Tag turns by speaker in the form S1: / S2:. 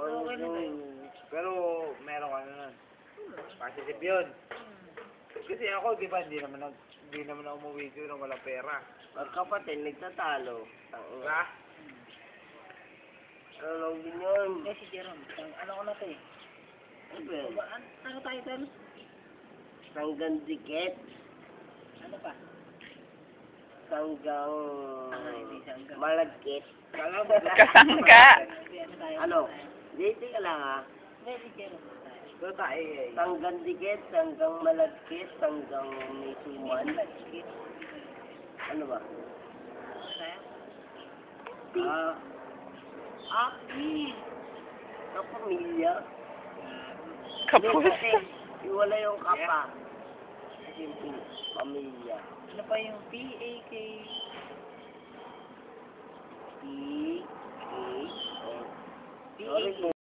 S1: Okay na tayo.
S2: Pero, meron ka na nun. Positive yun. Kasi ako, di ba, hindi naman ako umuwi dito nang walang pera.
S1: Magkapatid, nagtatalo.
S2: Diba?
S1: Ano lang din yun?
S3: Eh, si Jerome, ano ko na to eh?
S1: Ano ba yan?
S3: Ano tayo tayo?
S1: Sanggang dikit.
S3: Ano pa?
S1: Sanggang...
S3: Hindi sanggang.
S1: Malagkit.
S2: Kala mo,
S4: Kasangga.
S3: Ano tayo?
S1: Ano? Dito ka lang ha.
S3: Hindi, si Jerome tayo.
S2: doon tayo eh.
S1: Sanggang dikit, sanggang malagkit, sanggang may suman. Ano ba?
S3: Ano tayo?
S1: Kapamilya.
S4: Kapos.
S1: Kasi, iwala yung kapa. Kasi pamilya.
S3: Ano pa yung P-A-K?
S1: P-A-K.
S3: P-A-K.